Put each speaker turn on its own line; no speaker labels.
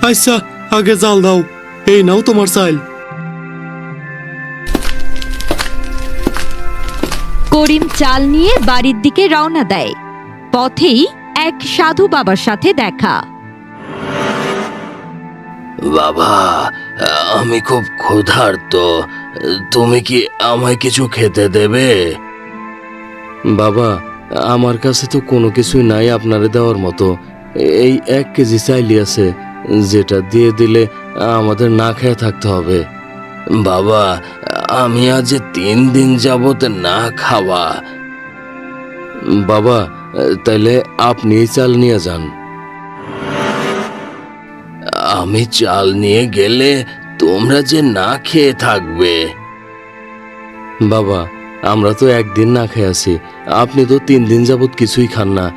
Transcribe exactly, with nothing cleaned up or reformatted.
আচ্ছা আগে জাল দাও, এই নাও তোমার চাল।
করিম চাল নিয়ে বাড়ির দিকে রওনা দেয়। পথেই এক সাধু বাবার সাথে দেখা।
বাবা, আমি খুব ক্ষুধার্ত, তুমি কি আমায় কিছু খেতে দেবে?
বাবা, আমার কাছে তো কোনো কিছুই নাই আপনারে দেওয়ার মতো। এই এক কেজি চাইলি আছে, যেটা দিয়ে দিলে আমাদের না খেয়ে থাকতে হবে।
বাবা, আমি আজ তিন দিন যাবত না খাওয়া।
বাবা, তাইলে আপনি চাল নিয়ে যান।
আমি চাল নিয়ে গেলে তোমরা যে না খেয়ে থাকবে।
বাবা, আমরা তো একদিন না খেয়ে আছি, আপনি তো তিন দিন যাবত কিছুই খান না।